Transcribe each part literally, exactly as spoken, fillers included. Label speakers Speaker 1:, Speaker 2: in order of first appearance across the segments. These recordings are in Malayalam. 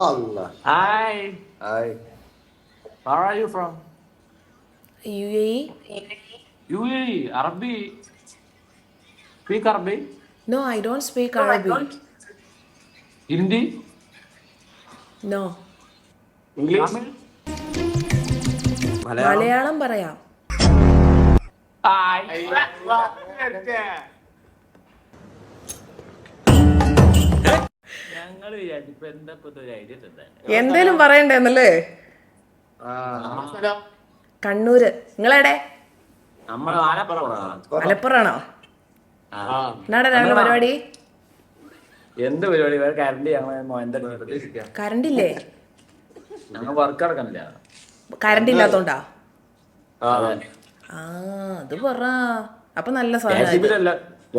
Speaker 1: Allah.
Speaker 2: Hi.
Speaker 1: Hi.
Speaker 2: Where are you from?
Speaker 3: U A E?
Speaker 2: U A E. Arabi. Speak Arabic.
Speaker 3: No, I don't speak Arabic.
Speaker 2: Hindi.
Speaker 3: No.
Speaker 1: English?
Speaker 2: Tamil.
Speaker 1: Malayalam?
Speaker 3: Malayalam പറയാം.
Speaker 2: Hi. ഞങ്ങൾ വിചാരിച്ചു എന്താ ഇപ്പൊ ഒരു ഐഡിയ തന്നെ.
Speaker 3: എന്തേലും പറയണ്ടേന്നല്ലേ?
Speaker 1: Ah.
Speaker 3: കണ്ണൂര്. നിങ്ങളെടെ?
Speaker 2: നമ്മൾ ആലപ്പുറം.
Speaker 3: മലപ്പുറാണോ?
Speaker 2: ആ.
Speaker 3: എന്നാടാ രാവിലെ പരിപാടി?
Speaker 2: എന്ത് പരിപാടി? വേറെ കറണ്ട് ഞങ്ങൾ
Speaker 3: കറണ്ട് ഇല്ലേ?
Speaker 2: ഞങ്ങൾ വർക്ക് എടുക്കണില്ല.
Speaker 3: കറണ്ട് ഇല്ലാത്തോണ്ടാ?
Speaker 2: അതെ.
Speaker 3: ആ അത് പറ. അപ്പൊ നല്ല സാധനം.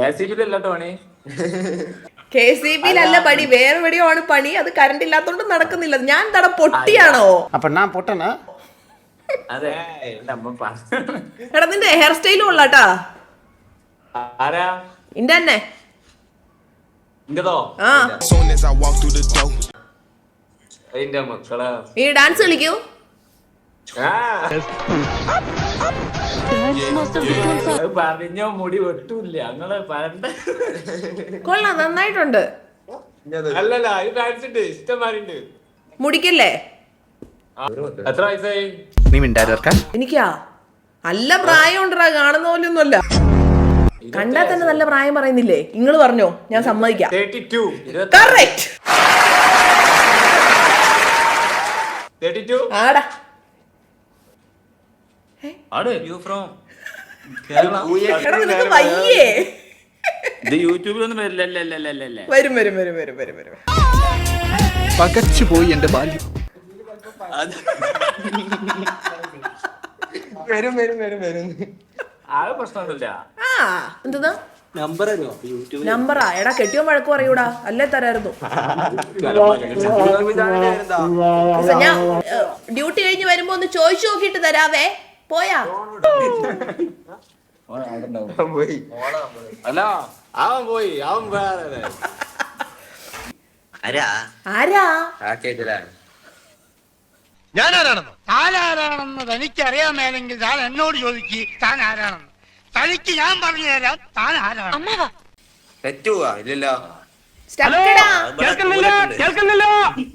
Speaker 3: കെ സി ബിയിലല്ല പണി, വേറെ എവിടെയോ ആണ് പണി. അത് കറണ്ട് ഇല്ലാത്തോണ്ട് നടക്കുന്നില്ല. ഞാൻ തട പൊട്ടിയാണോ?
Speaker 1: അപ്പൊ ഞാൻ പൊട്ടനാ?
Speaker 2: അതെ.
Speaker 3: എടാ നിന്റെ ഹെയർ സ്റ്റൈലും ഉള്ളാട്ടാ.
Speaker 2: ആരാ?
Speaker 3: ഇന്റെ തന്നെ.
Speaker 2: ഇങ്ങതോ?
Speaker 3: ആ
Speaker 2: അതിന്റെ മക്കളെ
Speaker 3: ഈ ഡാൻസ് കളിക്കൂ.
Speaker 2: പറഞ്ഞ മുടി വെട്ടൂല്ല. ഞങ്ങള് പറഞ്ഞ
Speaker 3: കൊള്ളാം, നന്നായിട്ടുണ്ട്.
Speaker 2: അല്ലല്ല ഇത് ഡാൻസ് ഇഷ്ടമാരുണ്ട്.
Speaker 3: മുടിക്കല്ലേ?
Speaker 2: എത്ര വയസ്സായി?
Speaker 1: നീ മിണ്ടായിരിക്കാൻ
Speaker 3: എനിക്കാ നല്ല പ്രായം ഉണ്ടടാ, കാണുന്ന പോലെയൊന്നുമല്ല. കണ്ടാ തന്നെ നല്ല പ്രായം പറയുന്നില്ലേ? നിങ്ങള് പറഞ്ഞോ, ഞാൻ സമ്മതിക്കാം. Correct. ആടാ എടാ, നിനക്ക് വയ്യേ?
Speaker 2: ഇത് യൂട്യൂബിലൊന്നും വരില്ലല്ലേ?
Speaker 3: വരും വരും വരും വരും വരും വരും
Speaker 1: പകച്ചു പോയി എന്റെ ബാല്യം. വരും വരും വരും വരും.
Speaker 2: ആകെ പ്രശ്നമൊന്നുമില്ല.
Speaker 3: ആ എന്താ
Speaker 1: നമ്പർ
Speaker 3: നമ്പറാ? എടാ കെട്ടിയോ വഴക്ക് പറയൂടാ, അല്ലേ തരായിരുന്നു. ഞാൻ ഡ്യൂട്ടി കഴിഞ്ഞ് വരുമ്പോ ഒന്ന് ചോദിച്ചു നോക്കിട്ട് തരാവേ. പോയാ
Speaker 2: അല്ല അവൻ പോയി. അവൻ വേറെ
Speaker 3: ആരാ?
Speaker 4: ഞാനാരാണെന്നോ? താനാരാണെന്ന് തനിക്കറിയാമേലെങ്കിൽ താൻ എന്നോട് ചോദിക്ക് താൻ ആരാണെന്ന്. തനിക്ക് ഞാൻ പറഞ്ഞു തരാം താൻ ആരാണ്.
Speaker 1: തെറ്റുവാ ഇല്ലല്ലോ.
Speaker 3: സ്റ്റക്കടാ.
Speaker 4: കേൾക്കുന്നില്ല കേൾക്കുന്നില്ല